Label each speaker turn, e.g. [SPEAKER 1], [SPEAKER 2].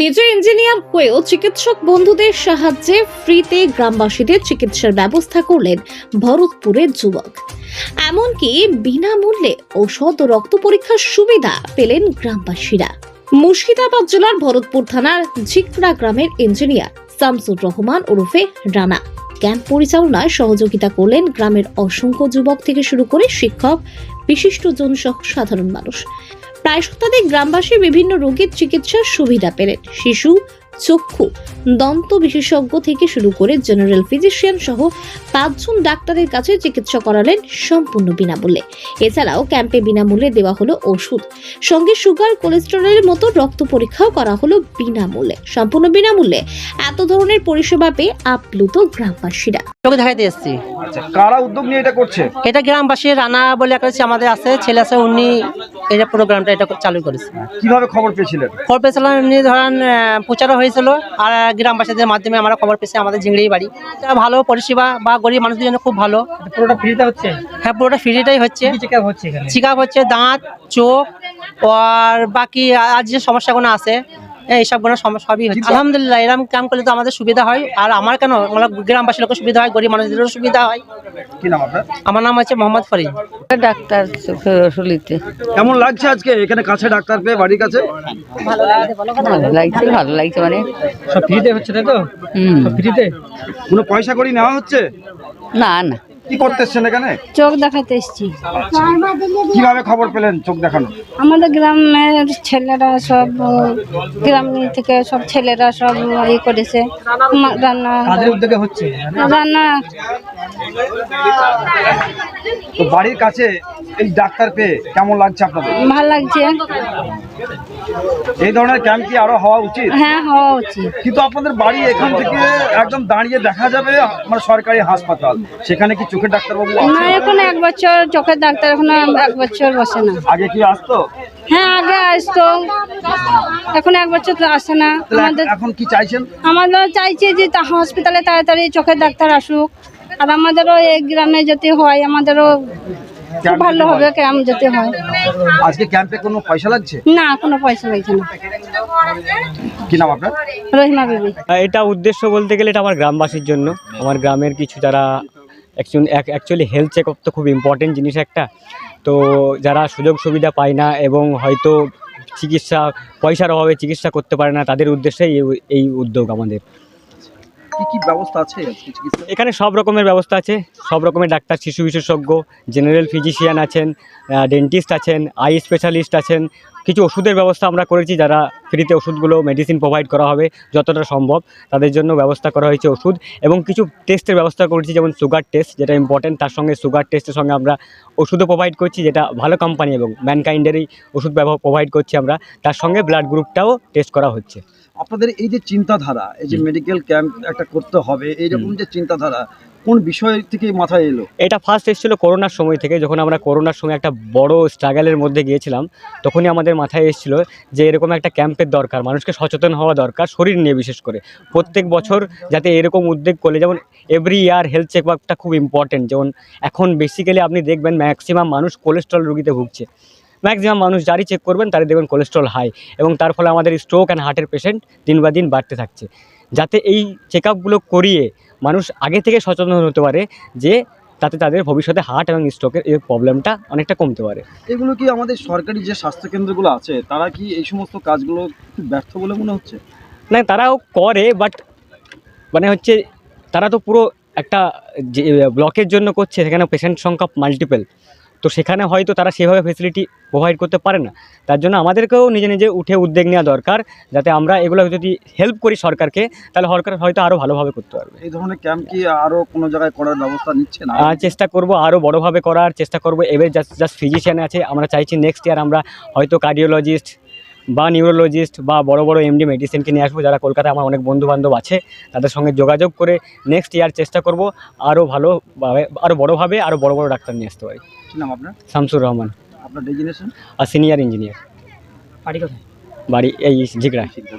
[SPEAKER 1] নিজে ইঞ্জিনিয়ার হয়েও চিকিৎসক বন্ধুদের সাহায্যে ফ্রিতে গ্রামবাসীদের চিকিৎসার ব্যবস্থা করলেন ভরতপুরের যুবক। এমনকি বিনামূল্যে ঔষধ ও রক্ত পরীক্ষার সুবিধা পেলেন গ্রামবাসীরা। মুর্শিদাবাদ জেলার ভরতপুর থানার ঝিকরা গ্রামের ইঞ্জিনিয়ার শামসুর রহমান ওরফে রানা ক্যাম্প পরিচালনায় সহযোগিতা করলেন গ্রামের অসংখ্য যুবক থেকে শুরু করে শিক্ষক, বিশিষ্টজন সহ সাধারণ মানুষ। প্রায় শতাধিক গ্রামবাসী বিভিন্ন রোগের চিকিৎসার সুবিধা পেলেন। শিশু, চক্ষু, দন্ত বিশেষজ্ঞ থেকে শুরু করে জেনারেল ফিজিশিয়ান সহ 5 জন ডাক্তারের কাছে চিকিৎসা করালেন সম্পূর্ণ বিনামূল্যে। এছাড়াও ক্যাম্পে বিনামূল্যে দেওয়া হলো ওষুধ, সঙ্গে সুগার, কোলেস্টেরলের মতো রক্ত পরীক্ষাও করা হলো বিনামূল্যে। সম্পূর্ণ বিনামূল্যে এত ধরনের পরিষেবা পেয়ে আপ্লুত গ্রামবাসীরা।
[SPEAKER 2] চোখে দেখাইতে এসেছি।
[SPEAKER 3] আচ্ছা, কারা উদ্যোগ নিয়ে এটা করছে?
[SPEAKER 2] এটা গ্রামবাসী রানা বলে একটা আমাদের আছে, ছেলে আছে, উনি এটা প্রোগ্রামটা এটা চালু করেছে।
[SPEAKER 3] কিভাবে খবর পেয়েছিলেন?
[SPEAKER 2] খবর পেয়েছিলাম এমনি ধরেন প্রচারও হয়েছিল, আর গ্রামবাসীদের মাধ্যমে আমরা খবর পেয়েছি। আমাদের ঝিংড়ি বাড়ি, এটা ভালো পরিষেবা বা গরিব মানুষদের জন্য খুব ভালো।
[SPEAKER 4] পুরোটা ফ্রিতে হচ্ছে?
[SPEAKER 2] হ্যাঁ, পুরোটা ফ্রিটাই হচ্ছে।
[SPEAKER 4] চেক আপ হচ্ছে এখানে?
[SPEAKER 2] চেক আপ হচ্ছে, দাঁত, চোখ আর বাকি আর যে সমস্যাগুলো আছে এইসবগুলো সবই হচ্ছে। আলহামদুলিল্লাহ, এরকম কাম করলে তো আমাদের সুবিধা হয়, আর আমার কেন গ্রামবাসী লোকের সুবিধা হয়, গরিব মানুষদেরও সুবিধা হয়।
[SPEAKER 3] কি নাম আপনার?
[SPEAKER 2] আমার নাম হচ্ছে মোহাম্মদ ফরিদ।
[SPEAKER 5] ডাক্তার চোখের ওষুধতে
[SPEAKER 3] কেমন লাগছে আজকে এখানে কাছে ডাক্তার পেয়ে, বাড়ির কাছে?
[SPEAKER 5] ভালো লাগছে মানে
[SPEAKER 4] সব ফ্রিতে হচ্ছে, তাই তো? সব ফ্রিতে?
[SPEAKER 3] কোনো পয়সা করি নেওয়া হচ্ছে?
[SPEAKER 5] না না,
[SPEAKER 3] কি করতে এসছেন এখানে?
[SPEAKER 5] চোখ দেখাতে এসেছি।
[SPEAKER 3] কিভাবে খবর পেলেন চোখ দেখানো?
[SPEAKER 5] আমাদের গ্রামের ছেলেরা সব, গ্রাম থেকে সব ছেলেরা সব ই করেছে, রান্না
[SPEAKER 4] কাদের উদ্যোগে হচ্ছে?
[SPEAKER 5] রান্না।
[SPEAKER 3] তো বাড়ির কাছে এই ডাক্তার পেয়ে কেমন লাগছে আপনাদের?
[SPEAKER 5] ভালো লাগছে।
[SPEAKER 3] এই ধরনের ক্যাম্প কি আরো হওয়া উচিত?
[SPEAKER 5] হ্যাঁ, হওয়া উচিত।
[SPEAKER 3] কিন্তু আপনাদের বাড়ি এখান থেকে একদম দাঁড়িয়ে দেখা যাবে মানে সরকারি হাসপাতাল, সেখানে কি চোখের ডাক্তারবাবু
[SPEAKER 5] না,
[SPEAKER 3] আছে?
[SPEAKER 5] এখন 1 বছর চোখের ডাক্তার, এখন 1 বছর বসে না।
[SPEAKER 3] আগে কি আসতো?
[SPEAKER 5] হ্যাঁ, আগে আসতো, এখন 1 বছর তো আসে না। আমাদের
[SPEAKER 3] এখন কি চাইছেন?
[SPEAKER 5] আমরা চাইছি যে হসপিটালে তাড়াতাড়ি চোখের ডাক্তার আসুক, আর আমাদেরও এই গ্রামে যেতে হয়, আমাদেরও খুব ভালো হবে ক্যাম্প যেতে হয়।
[SPEAKER 3] আজকে ক্যাম্পে কোনো পয়সা লাগছে?
[SPEAKER 5] না, কোনো পয়সা লাগছে না।
[SPEAKER 3] কি নাম আপনার?
[SPEAKER 5] রহিমা বিবি।
[SPEAKER 6] এটা উদ্দেশ্য বলতে গেলে এটা আমার গ্রামবাসীর জন্য, আমার গ্রামের কিছু যারা অ্যাকচুয়ালি হেলথ চেক আপ তো খুব ইম্পর্টেন্ট জিনিস একটা। তো যারা সুযোগ সুবিধা পায় না এবং হয়তো চিকিৎসা পয়সার অভাবে চিকিৎসা করতে পারে না, তাদের উদ্দেশ্যেই এই উদ্যোগ আমাদের।
[SPEAKER 3] কি কি ব্যবস্থা আছে চিকিৎসা?
[SPEAKER 6] এখানে সব রকমের ব্যবস্থা আছে, সব রকমের ডাক্তার, শিশু বিশেষজ্ঞ, জেনারেল ফিজিশিয়ান আছেন, ডেন্টিস্ট আছেন, আই স্পেশালিস্ট আছেন। কিছু ওষুধের ব্যবস্থা আমরা করেছি, যারা ফ্রিতে ওষুধগুলো মেডিসিন প্রোভাইড করা হবে যতটা সম্ভব, তাদের জন্য ব্যবস্থা করা হয়েছে ওষুধ। এবং কিছু টেস্টের ব্যবস্থা করেছি, যেমন সুগার টেস্ট, যেটা ইম্পর্টেন্ট। তার সঙ্গে সুগার টেস্টের সঙ্গে আমরা ওষুধও প্রোভাইড করছি, যেটা ভালো কোম্পানি এবং ম্যানকাইন্ডেরই ওষুধ প্রোভাইড করছি আমরা। তার সঙ্গে ব্লাড গ্রুপটাও টেস্ট করা হচ্ছে।
[SPEAKER 3] আপনাদের এই যে চিন্তাধারা, এই যে মেডিকেল ক্যাম্প একটা করতে হবে, এইরকম যে চিন্তাধারা কোন বিষয় থেকে মাথায় এলো?
[SPEAKER 6] এটা ফার্স্ট এসেছিলো করোনার সময় থেকে, যখন আমরা করোনার সময় একটা বড় স্ট্রাগলের মধ্যে গিয়েছিলাম, তখনই আমাদের মাথায় এসেছিলো যে এরকম একটা ক্যাম্পের দরকার, মানুষকে সচেতন হওয়া দরকার শরীর নিয়ে। বিশেষ করে প্রত্যেক বছর যাতে এরকম উদ্যোগ করলে, যেমন এভরি ইয়ার হেলথ চেক আপটা খুব ইম্পর্টেন্ট। যেমন এখন বেসিক্যালি আপনি দেখবেন ম্যাক্সিমাম মানুষ কোলেস্ট্রল রোগীতে ভুগছে। ম্যাক্সিমাম মানুষ যারই চেক করবেন তারই দেখবেন কোলেস্ট্রল হাই, এবং তার ফলে আমাদের স্ট্রোক অ্যান্ড হার্টের পেশেন্ট দিন বা দিন বাড়তে থাকছে। যাতে এই চেক আপগুলো করিয়ে মানুষ আগে থেকে সচেতন হতে পারে, যে তাতে তাদের ভবিষ্যতে হার্ট এবং স্ট্রোকের এই প্রবলেমটা অনেকটা কমতে পারে।
[SPEAKER 3] এগুলো কি আমাদের সরকারি যে স্বাস্থ্যকেন্দ্রগুলো আছে, তারা কি এই সমস্ত কাজগুলো খুব ব্যর্থ বলে মনে হচ্ছে?
[SPEAKER 6] না, তারাও করে, বাট মানে হচ্ছে তারা তো পুরো একটা যে ব্লকের জন্য করছে, সেখানে পেশেন্ট সংখ্যা মাল্টিপল, তো সেখানে হয়তো তারা সেভাবে ফেসিলিটি প্রোভাইড করতে পারে না। তার জন্য আমাদেরকেও নিজে নিজে উঠে উদ্যোগ নেওয়া দরকার, যাতে আমরা এগুলো যদি হেল্প করি সরকারকে, তাহলে সরকার হয়তো আরও ভালোভাবে করতে পারবে।
[SPEAKER 3] এই ধরনের ক্যাম্প কি আরও কোনো জায়গায় করার ব্যবস্থা নিচ্ছে না?
[SPEAKER 6] চেষ্টা করব আরও বড়োভাবে করার চেষ্টা করব। এবার জাস্ট ফিজিশিয়ান আছে, আমরা চাইছি নেক্সট ইয়ার আমরা হয়তো কার্ডিওলজিস্ট বা নিউরোলজিস্ট বা বড় বড় এমডি মেডিসিনকে নিয়ে আসবো, যারা কলকাতায় আমার অনেক বন্ধুবান্ধব আছে, তাদের সঙ্গে যোগাযোগ করে নেক্সট ইয়ার চেষ্টা করব আরও ভালোভাবে, আরও বড়োভাবে আরও বড় বড় ডাক্তার নিয়ে আসতে পারি।
[SPEAKER 3] কি নাম আপনার?
[SPEAKER 6] শামসুর রহমান,
[SPEAKER 3] আপনার ডেজিনেশন?
[SPEAKER 6] আর সিনিয়র ইঞ্জিনিয়ার।
[SPEAKER 4] বাড়ি কোথায়?
[SPEAKER 6] বাড়ি এই ঝিকরা।